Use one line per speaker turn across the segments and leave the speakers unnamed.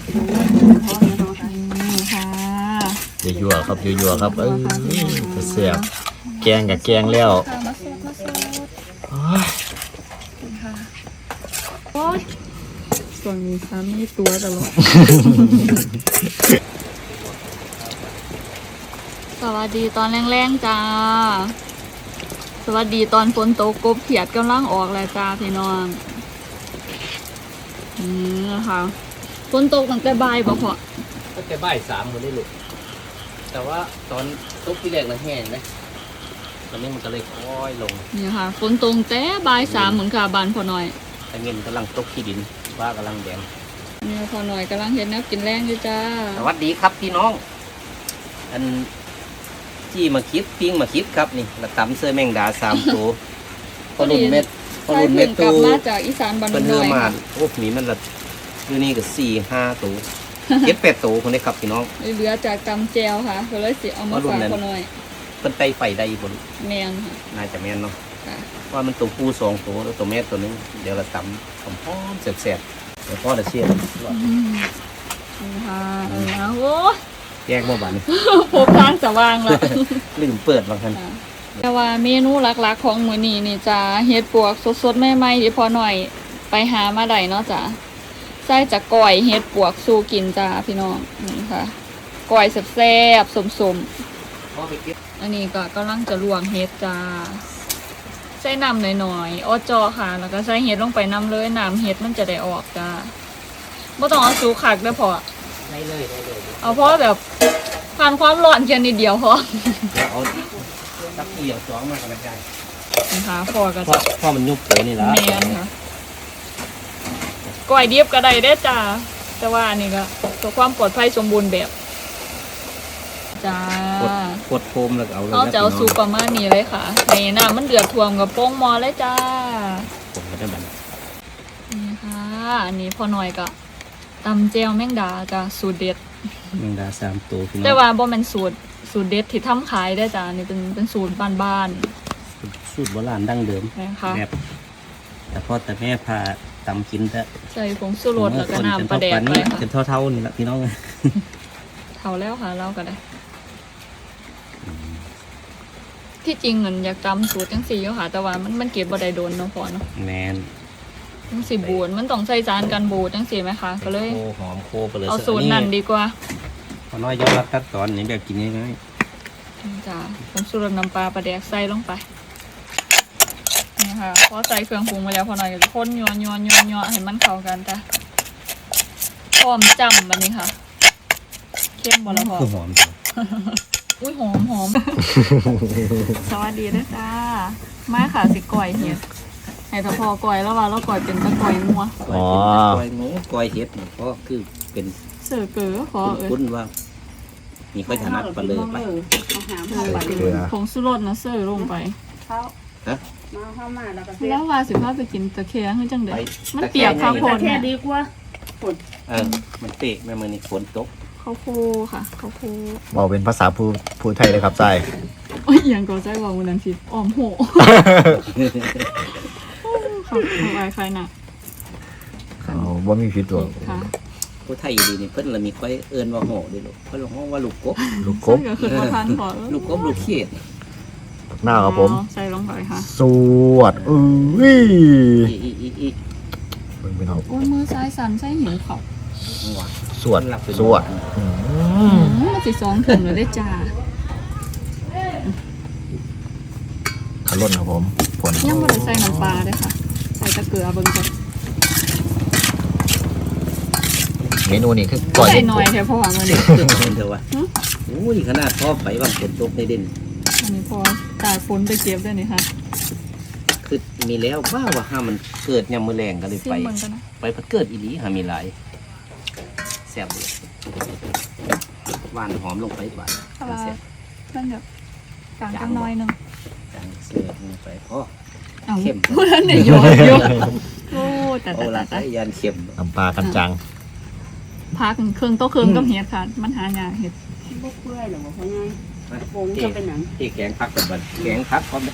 ค่ะ
ยั่วๆครับยั่วๆครับเสียบแกงกับแกงแล้ว
มาสดค่ะโอ้ยส่วนนี้ค่ะมีตัวตลอดสวัสดีตอนแรงๆจ้าสวัสดีตอนฝนตกกบเขียดกำลังออกแล้วจ้าพี่น้องนะคะฝนตกตั้งแต่บ่ายบ่พอ
ตั้งแต่บ่าย3คนได้ลูกแต่ว่าตอนตกที่แรกมันแห้งนะตอนนี้มันก็เลยค่อยลง
นี่ค่ะฝนตกแต่บ่าย3เหมือนค่ะบานพอหน่อย
แต่เงินกำลังตกที่ดินว่ากำลังแดง
นี่พอหน่อยกำลังเห็นนักกินแรงอยู่จ้า
สวัสดีครับพี่น้องอันจี้มาคิดปิ้งมาคิดครับนี่ละตำเสื้อแมงดา3 ตัวพอรุ่นเม็ด
กลับมาจากอีสานบ้านน้อย
ค่ะโอ้มีมันละอยู่นี่ก็4-5 ตัว7-8 ตัวคนนี้ครับพี่น้อง
เหลือจากตำแจวค่ะก็เลยสิเอามาฝากพอหน่อย
เป็นไตไฟได้บน
แมนค่ะ
น่าจะแมนเนาะว่ามันตัวผู้2 ตัวแล้วตัวแม่ตัวนึงเดี๋ยวละตำหอมๆแซ่บๆเดี๋ยวพ่อจะเชี่ย
ค่ะโอ้
แยกบ่บัน
พบทางสว่างแล้ว
ลืมเปิดบางทัน
แต่ว่าเมนูหลักๆของมื้อนี้นี่จะเฮ็ดปวกสดๆใหม่ๆที่พอหน่อยไปหามาได้เนาะจ้ะใส่จากก้อยเฮ็ดปวกสู่กินจ้าพี่น้องนี่ค่ะก้อยแซ่บๆสมๆอันนี้ก็กำลังจะลวกเฮ็ดจ้าใส่น้ำหน่อยๆอ้อจอค่ะแล้วก็ใส่เฮ็ดลงไปน้ำเลยน้ำเฮ็ดมันจะได้ออกจ้าบ่ต้องเอาสุกคักเด้อพอ
ได้เลย
เอาเพราะแบบผ่านความร้อนแค่นิดเดียวพอ
เอาตักเกี่ยว2มากันได้
นะคะพอก็
พ่อมันยุบเลยนี่ละ
แม่นค่ะก้อยดิบก็ได้ได้จ้าแต่ว่าอันนี้ก็ตัวความปลอดภัยสมบูรณ์แบบจ้าก
ดโฟมแล้ว
เอาจะเอาสูบประมาณนี้เลยค่ะในน้ำมันเดือดท่วมกับโป้งมอเลยจ้า
ผมก็ได้บัน
นี่ค่ะอันนี้พอหน่อยก็ตำเจลแมงดาจ้าสูตรเด็ด
แมงดา3 ตัว
แต่ว่าบ่เป็นสูตรเด็ดที่ทำขายได้จ้านี่เป็นสูตรบ้าน
ๆสูตรโบราณดั้งเดิมแบบแต่พ่อแต่แม่พาตำกินแต่
ใส่ผงชูรสแล้วก็น้ำปลาแดกไปค่ะ
เป็นเท่านี่แหละพี่น้อง
เท่าแล้วค่ะเราก็ได้ที่จริงเหมือนอยากจำสูตรจังสี่ค่ะแต่ว่ามันเก็บบ่ได้โดนเนาะพอเนาะ
แมน
จังสี่บูดมันต้องใส่จานกันบูดจังสี่ไหมคะก็เลย
หอมโคไปเลย
เอาสูตรนั่นดีกว่า
พอน้อยยอดรัดตัดตอนนี้แบบกินง่าย
ๆจ้าผงชูรสน้ำปลาแดกใส่ลงไปนี่ค่ะพอใส่เครื่องปรุงมาแล้วพอหน่อยก็คนยัวให้มันเข้ากันจ้ะพร้อมจำแบบนี้ค่ะเข้มบ่ละพอ
หอม
อุ้ยหอมสวัสดีนะจ้ามาค่ะสิก่อยเห็ดให้ตะพอก่อยแล้วว่าเราก่อยเป็นตะก่อยงัว
ก่อยงูก่อยเห็ดก็คือเป็น
เสือเก๋อขอ
คุ้นว่ามีค่อยถนัดไปเลยไป
ผงชูรสนะเสือลงไป
ฮะ
เข้ามาแล้วว่าสิพาไปกินตะเคียนขึ้นจังเด็ดมันเปียกข้าวโพดเนี่ย
ดีกว่า
มันเปียกแม่มือนี่ฝนตก
ข้าวโพดค่ะข้าวโพด
บอกเป็นภาษาพูดไทยเลยครับใจ
โอ้ยอย่างก็ใจบอกวันนั้นสิอ้อมโหค่ะอะไรใครน่ะ
ว่ามีผิดตัว
ค่ะ
ผู้ไทยดีนี่เพิ่นละมีค่อยเอิ้นว่าโหด้วยลูกเพิ่นร้องว่าลูกกบ
ก็คือว่าทานพอ
ลูกกบลูกเขียด
หน้าครับผม
ใส่ลงไปค่ะ
สวด
เป็นเขาโอ้มือซ้ายสั่นใส่หิวเขา
สวด
มันสิ2 ถุงเลยได้จ้า
ขลุ่นครับผมผล
ยังไม่ได้ใส่น้ำปลาเลยค่ะใส่ตะเกียบเบิ้งก่อน
เมนูนี้คือก่อย
ใส่หน่อยแค่พอวางวันนี้
เดี๋ยววะโอ้ยขนาดพ่อไปบางฝนตกในเด่น
อันนี้พอตากฝนไปเก็บได้นี่ค่ะ
คือมีแล้วว่าห้ามันเกิดยามมื้อแรงก็เลยไปพัดเกิดอีหลีหามีหลายแซ่บเลยหวานหอมลงไปหวาน
แซ่บนั่นเดี๋ยวจางกันน้อยนึง
จางเสือลงไปพอเข้ม
พูดนั่นเนี่ยโยโอ้แต่
ยันเข้ม
น้ำปลากันจัง
พาเครื่องโต๊ะเครื่องก็เห็ดค่ะมันหายากเห็ด
พวกเพื่อนหรือว่าเขาไงโป่งจะเป็นหนัง
ที่แกงพักกับบันแกงพักพร้อม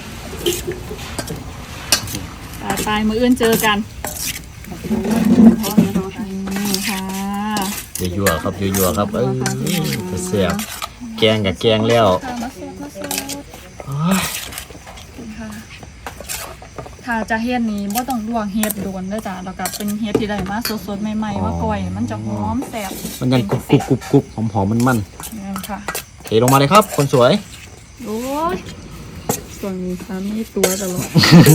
ตายมืออื่นเจอกันค่ะ
ยั่วๆครับยั่วๆครับแซ่บแกงกับแกงแล้ว
ค่ะมาสดมาสด
โอ้ย
ค่ะถ้าจะเฮ็ดนี้บ่ต้องลวกเฮ็ดโดนเด้อจ้ะแล้วก็เป็นเฮ็ดที่ได้มาสดๆใหม่ๆว่าก่อยมันจะหอมแซ่บ
มันยังกรุบหอมๆมัน
นี่ค่ะ
เทลงมาเลยครับ คนสวย
โอ้ยส่วนสามีตัวตลอด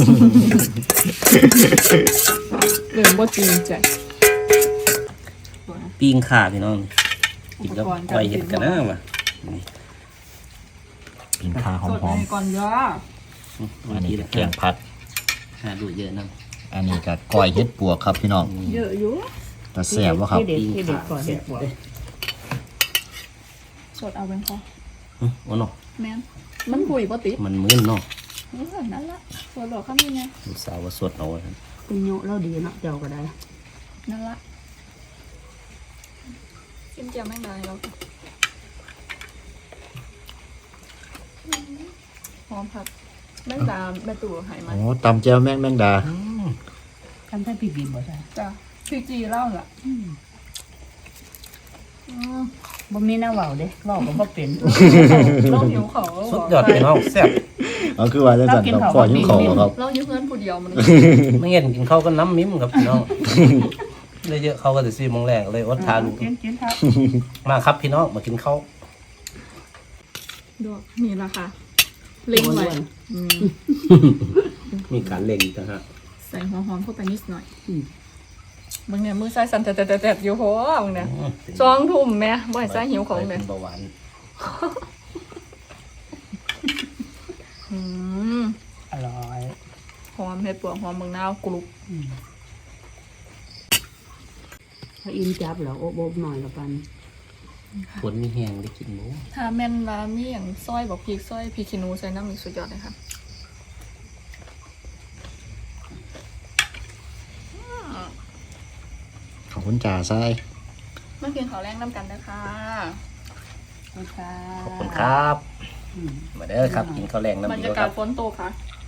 เรื่องบ่จริงใจ
ปิ้งข่าพี่น้องกินกับก้อยเห็ดกันนะว่ะ
ปิ่งคาห
สด
อม
ในก่อนย่อ
ๆอันนี้ก็แกงผัด
หาดูเยอะนะ
อันนี้ก็ก้อยเห็ดปวกครับพี่น้อง
เยอะอยู่
แต่แซ่บวะครับ
ที่เด็ดก่อน
แซ่บเด้อ
สดเอาเป็นพอ
โอ้เนาะ
แม่นมันปุ๋ยบ่ติด
มันมื้นเนาะ
นั่นละสดหรอกคำนี้ไง
ลูกสาวว่าสดเอาไว้ครับ
คุณโยเราดีเนาะเจ้าก็ได้
นั่นละกินเจียวแม่งได้แล้วหอมผัดแม่งดาแม่ตู่หายมัน
โอ้ตำแจ่วแมงดา
ทำได้พี่บินบ่ได้
จ้ะพี่จีเล่าล่ะ
บ่มีหน้าเว้าเด้เว้าก็บ่เป็น
เราหิวเขา
สุดยอดพี่น้องแซ่บ
เอาคือว่าจะสั่นกับก้อยยิ้มเขาครับ
เราอยู่เพื่อนผู้เดียวมัน
ไม่เห็นกินข้าวก็น้ำมิ้มครับพี่น้องเลยเยอะเขาก็จะ4 โมงแรกเลยอดทาน
กินครับ
มาครับพี่น้องมากินข้าว
ดอกนี่ละค่ะเล็งไว้
มีการเล่งอีกนะฮะ
ใส่หัวหอมเข้าไปนิดหน่อยมึงเนี่ยมือใส่สั่นแตะๆอยู่โหมึงเนี่ย2 ทุ่มแม่บ่ให้ใส่หิวของเลย
เบาหวาน
อร่อย
หอมเห็ดปวกหอมเมืองนาวกรุบ
ถ้าอินจับแล้วโอบหน่อยละกัน
ฝนมีแห้งได้กินหมู
ถ้าแม่นว่ามีอย่างซอยบอกพริกซอยพริกขี้หนูใส่น้ำอีกสุดยอดเลยค่ะ
ขอบคุณจ่าไส้
มากินข้าวแรงน้ำกันนะคะ
ค่ะ
ขอบคุณครับมาเด้อครับกินข้าวแรงน้ำ
บรร
เดี
ยา
ยวค
กา
รั
ศ
บ
ฝนตกค่ะ